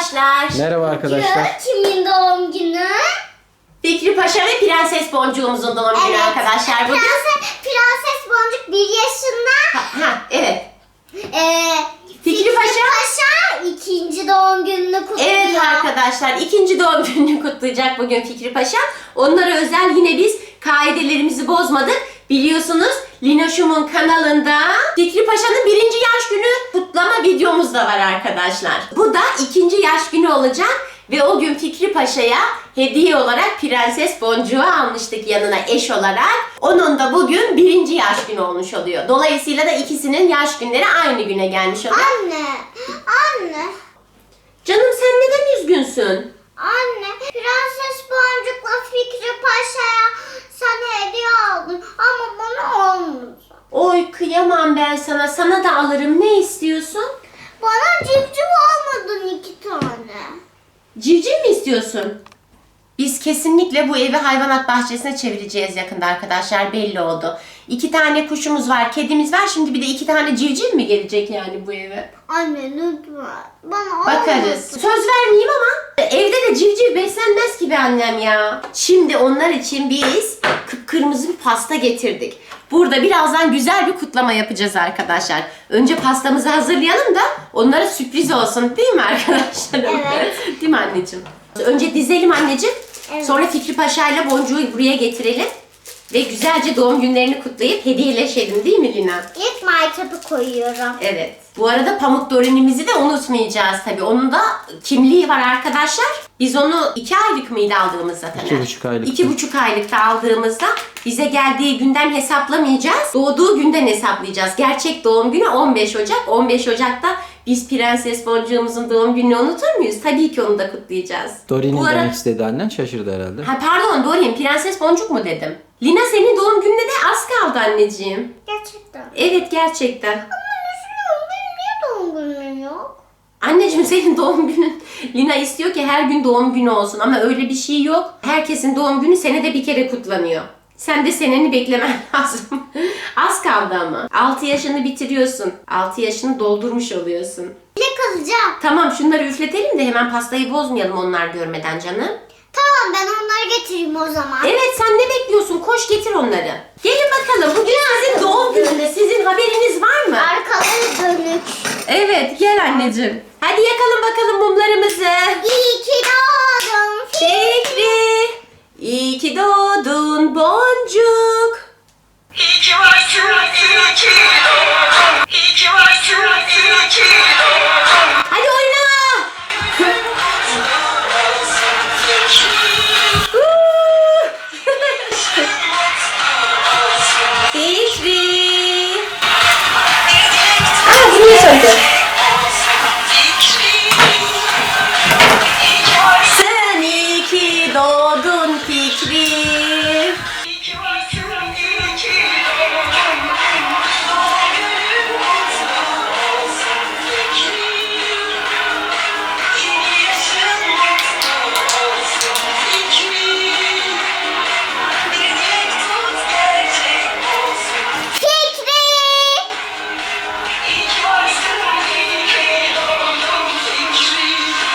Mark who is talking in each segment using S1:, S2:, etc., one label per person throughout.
S1: arkadaşlar.
S2: Merhaba arkadaşlar.
S3: Kimin doğum günü?
S1: Fikri Paşa ve Prenses Boncuğumuzun doğum günü arkadaşlar bugün.
S3: Prenses Boncuk 1 yaşında.
S1: Evet.
S3: Fikri Paşa ikinci doğum gününü kutluyor.
S1: Evet arkadaşlar, ikinci doğum gününü kutlayacak bugün Fikri Paşa. Onlara özel yine biz kaidelerimizi bozmadık. Biliyorsunuz Linoş'umun kanalında Fikri Paşa'nın 1. yaş günü kutlama videomuz da var arkadaşlar. Bu da 2. yaş günü olacak ve o gün Fikri Paşa'ya hediye olarak Prenses Boncuğu almıştık yanına eş olarak. Onun da bugün 1. yaş günü olmuş oluyor. Dolayısıyla da ikisinin yaş günleri aynı güne gelmiş oluyor.
S3: Anne.
S1: Canım sen neden üzgünsün?
S3: Anne, Prenses Boncuk'la Fikri Paşa'ya sen hediye aldın ama bana olmadı.
S1: Oy kıyamam ben sana. Sana da alırım. Ne istiyorsun?
S3: Bana civciv almadın 2 tane.
S1: Civciv mi istiyorsun? Biz kesinlikle bu evi hayvanat bahçesine çevireceğiz yakında arkadaşlar. Belli oldu. 2 tane kuşumuz var, kedimiz var. Şimdi bir de 2 tane civciv mi gelecek yani bu eve?
S3: Anne lütfen. Bana
S1: Bakarız.
S3: olmadı.
S1: Söz vermeyeyim ama evde de civciv beslenmez ki be annem ya. Şimdi onlar için biz kıpkırmızı bir pasta getirdik. Burada birazdan güzel bir kutlama yapacağız arkadaşlar. Önce pastamızı hazırlayalım da onlara sürpriz olsun değil mi arkadaşlar?
S3: Evet.
S1: Değil mi anneciğim? Önce dizelim anneciğim.
S3: Evet.
S1: Sonra Fikri Paşa ile Boncuğu buraya getirelim. Ve güzelce doğum günlerini kutlayıp hediyeleşelim değil mi Lina?
S3: İlk maytapı koyuyorum.
S1: Evet. Bu arada Pamuk Dorin'imizi de unutmayacağız tabii. Onun da kimliği var arkadaşlar. Biz onu 2 aylık mıydı aldığımızda tabii?
S2: 2,5 aylık.
S1: 2,5 aylıkta aldığımızda bize geldiği günden hesaplamayacağız. Doğduğu günden hesaplayacağız. Gerçek doğum günü 15 Ocak. 15 Ocak'ta biz Prenses Boncuğumuzun doğum gününü unutur muyuz? Tabii ki onu da kutlayacağız.
S2: Dorin'in
S1: Bu ara-
S2: demek istedi annen, şaşırdı herhalde.
S1: Ha pardon Dorin, Prenses Boncuk mu dedim? Lina senin doğum gününe de az kaldı anneciğim.
S3: Gerçekten.
S1: Evet gerçekten.
S3: Ama üzülüyorum. Benim niye doğum günüm yok?
S1: Anneciğim senin doğum günün. Lina istiyor ki her gün doğum günü olsun ama öyle bir şey yok. Herkesin doğum günü senede bir kere kutlanıyor. Sen de seneni beklemen lazım. Az kaldı ama. 6 yaşını bitiriyorsun. 6 yaşını doldurmuş oluyorsun.
S3: Bile kalacağım.
S1: Tamam şunları üfletelim de hemen pastayı bozmayalım onlar görmeden canım.
S3: Tamam ben onları getireyim o zaman.
S1: Evet sen ne bekliyorsun? Koş getir onları. Gelin bakalım bugün sizin doğum gününde sizin haberiniz var mı?
S3: Arkaları dönük.
S1: Evet gel anneciğim. Hadi yakalım bakalım mumlarımızı.
S3: İyi ki doğdun.
S1: Fikri, iyi ki doğdun Boncuk.
S4: İyi ki varsın, iyi ki doğdun. İyi ki varsın, iyi ki doğdun.
S1: Hadi oyna. Fikri. Aa, niye söyledin? Sen iyi ki doğdun Fikri.
S4: İyi ki varsın, iyi ki doğdun. Doğum günün kutlu olsun Fikri. Yeni yaşın mutlu olsun Fikri. Bir dilek tut gerçek olsun.
S3: Fikri.
S4: İyi ki varsın, iyi ki doğdun Fikri.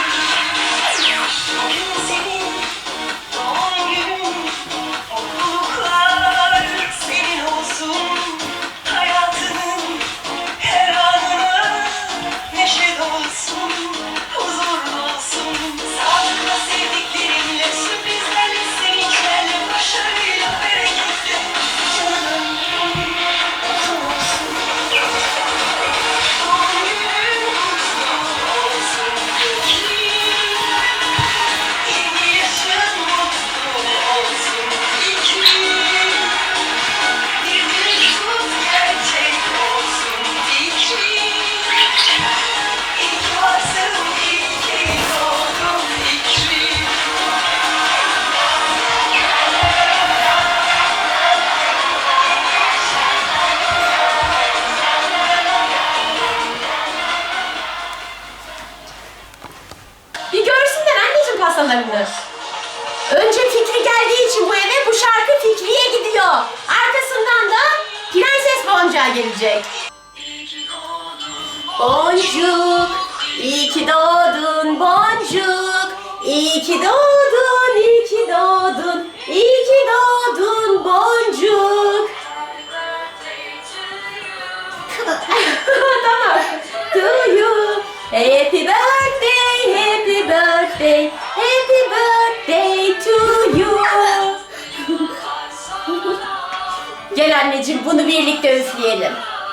S4: Bugün senin doğum günün, mutluluklar senin olsun. Hayatının her anına neşe dolsun, huzur dolsun. Sağlıkla sevdiklerinle, sürprizlerle, sevinçlerle, başarıyla, bereketle. Canım mutlu olsun. Doğum günün kutlu olsun Fikri. Yeni yaşın mutlu olsun Fikri. Bir dilek tut gerçek olsun Fikri. İyi ki varsın, iyi ki doğdun Fikri.
S1: Bir görsünler anneciğim pastalarını. Önce Fikri geldiği için bu eve bu şarkı Fikri'ye gidiyor. Arkasından da Prenses Boncuk'a gelecek.
S4: İyi ki doğdun
S1: Boncuk, İyi ki doğdun boncuk. İyi ki doğdun, iyi ki doğdun. İyi ki doğdun boncuk. Tamam. To you. Happy birthday, happy birthday, happy birthday to you. Gel anneciğim bunu birlikte üfleyelim.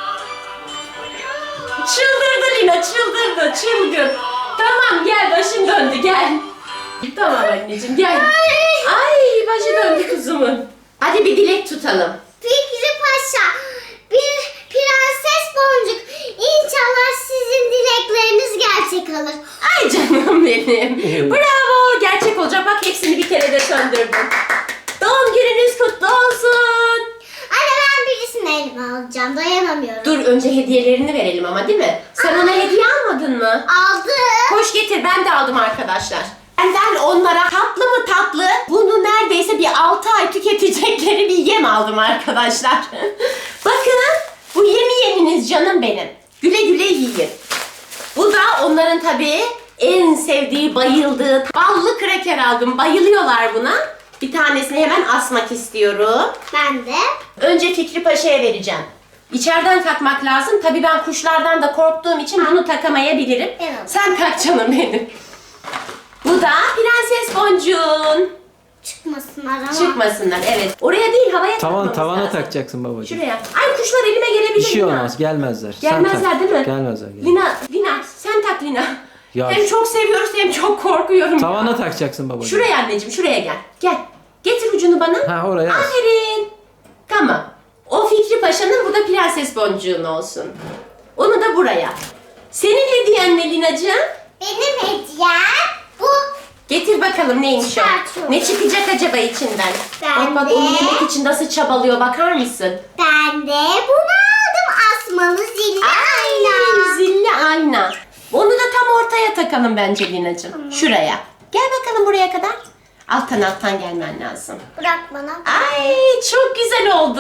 S1: Çıldırdı Lina, çıldırdı, çılgın. Tamam gel, başın döndü, gel. Tamam anneciğim, gel. Ay başı döndü kuzumun. Hadi bir dilek tutalım.
S3: Fikri Paşa, bir prenses boncuk. İnşallah sizin dilekleriniz gerçek olur.
S1: Ay canım benim. Bravo, gerçek olacak. Bak hepsini bir kere de söndürdüm. Doğum gününüz kutlu olsun.
S3: Anne ben birisini elime alacağım. Dayanamıyorum.
S1: Dur önce hediyelerini verelim ama değil mi? Sen ona hediye almadın mı?
S3: Aldım.
S1: Koş getir, ben de aldım arkadaşlar. Benden onlara tatlı mı tatlı, bunu neredeyse bir 6 ay tüketecekleri bir yem aldım arkadaşlar. Bakın, bu yemi yeminiz canım benim. Güle güle yiyin. Bu da onların tabii en sevdiği, bayıldığı ballı kraker aldım. Bayılıyorlar buna. Bir tanesini hemen asmak istiyorum.
S3: Ben de.
S1: Önce Fikri Paşa'ya vereceğim. İçeriden takmak lazım. Tabii ben kuşlardan da korktuğum için bunu takamayabilirim.
S3: Evet.
S1: Sen tak canım benim. Bu da Prenses Boncuğun.
S3: Çıkmasınlar ama.
S1: Çıkmasınlar, evet. Oraya değil, havaya takmamız
S2: Tavana
S1: lazım.
S2: takacaksın babacığım.
S1: Şuraya. Ay kuşlar elime gelebilir.
S2: Bir şey
S1: Lina.
S2: olmaz, gelmezler.
S1: Gelmezler
S2: Sen tak.
S1: değil mi?
S2: Gelmezler.
S1: Lina sen tak Lina.
S2: Ya
S1: Hem çok seviyoruz hem çok korkuyorum.
S2: Tavana takacaksın babacığım.
S1: Şuraya anneciğim, şuraya gel. Gel. Getir ucunu bana.
S2: Ha oraya. as.
S1: Aferin. Tamam. O Fikri Paşa'nın, bu da Prenses Boncuğun olsun. Onu da buraya. Senin hediyen ne Linacığım?
S3: Benim hediyem bu.
S1: Getir bakalım neymiş o?
S3: Çıkartıyorum.
S1: Ne çıkacak acaba içinden?
S3: Ben
S1: bak
S3: de-
S1: onu yemek için nasıl çabalıyor, bakar mısın?
S3: Ben de bunu aldım. Asmalı zilli
S1: Ay,
S3: ayna.
S1: zilli ayna. Onu da tam ortaya takalım bence Linacığım. Şuraya. Gel bakalım buraya kadar. Alttan gelmen lazım.
S3: Bırak bana.
S1: Ay çok güzel oldu.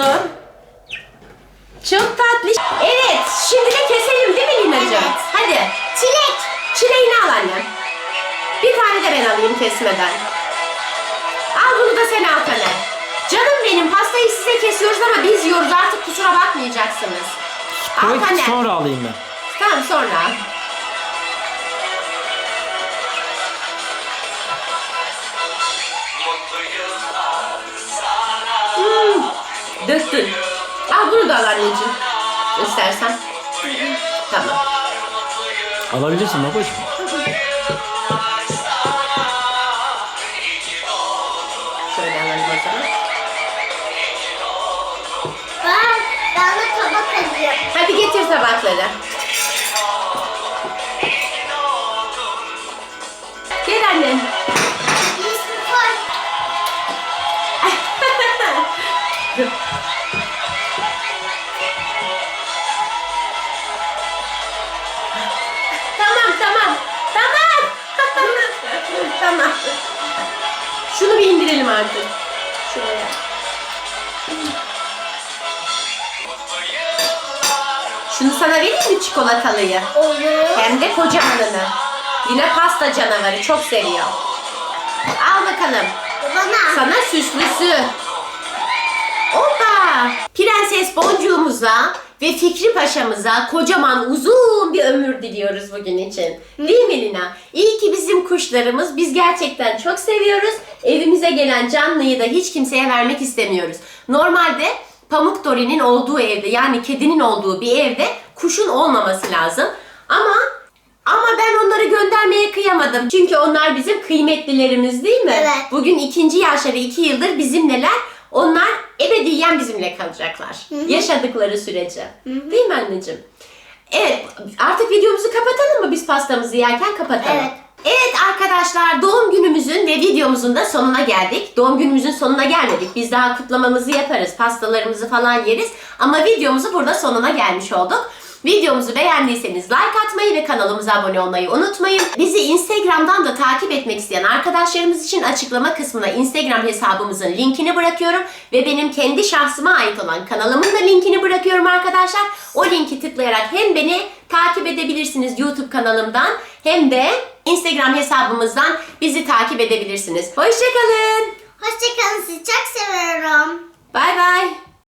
S1: Çok tatlı. Evet, şimdi de keselim değil mi Linacığım?
S3: Evet.
S1: Hadi.
S3: Çilek.
S1: Çileğini al annem. Bir tane de ben alayım kesmeden. Al bunu da sen al Taner. Canım benim, pastayı size kesiyoruz ama biz yiyoruz, artık kusura bakmayacaksınız. Al
S2: Koy,
S1: Taner.
S2: sonra alayım ben.
S1: Tamam sonra al. Döktün. Al bunu da al anneciğim. İstersen. Tamam.
S2: Alabilirsin babacığım.
S1: Şöyle alalım o zaman.
S3: Ben de tabak alayım.
S1: Hadi getir tabakları. Gel annem.
S3: Birisi koy.
S1: Tamam. Tamam. Şunu bir indirelim artık. Şuraya. Şunu sana vereyim mi, çikolatalıyı?
S3: Olur.
S1: Hem de kocamanını. Yine pasta canavarı, çok seviyor. Al bakalım.
S3: Bana.
S1: Sana süslüsü. Hoppa! Prenses Boncuğumuza ve Fikri Paşa'mıza kocaman uzun bir ömür diliyoruz bugün için. Değil mi Lina? İyi ki bizim kuşlarımız. Biz gerçekten çok seviyoruz. Evimize gelen canlıyı da hiç kimseye vermek istemiyoruz. Normalde Pamuk Dori'nin olduğu evde, yani kedinin olduğu bir evde kuşun olmaması lazım. Ama ben onları göndermeye kıyamadım. Çünkü onlar bizim kıymetlilerimiz değil mi?
S3: Evet.
S1: Bugün 2. yaşları, 2 yıldır bizimleler. Onlar ebediyen bizimle kalacaklar. Yaşadıkları sürece. Değil mi anneciğim? Evet, artık videomuzu kapatalım mı, biz pastamızı yerken kapatalım.
S3: Evet.
S1: Evet arkadaşlar, doğum günümüzün ve videomuzun da sonuna geldik. Doğum günümüzün sonuna gelmedik. Biz daha kutlamamızı yaparız, pastalarımızı falan yeriz. Ama videomuzu burada sonuna gelmiş olduk. Videomuzu beğendiyseniz like atmayı ve kanalımıza abone olmayı unutmayın. Bizi Instagram'dan da takip etmek isteyen arkadaşlarımız için açıklama kısmına Instagram hesabımızın linkini bırakıyorum. Ve benim kendi şahsıma ait olan kanalımın da linkini bırakıyorum arkadaşlar. O linki tıklayarak hem beni takip edebilirsiniz YouTube kanalımdan hem de Instagram hesabımızdan bizi takip edebilirsiniz. Hoşçakalın.
S3: Hoşçakalın.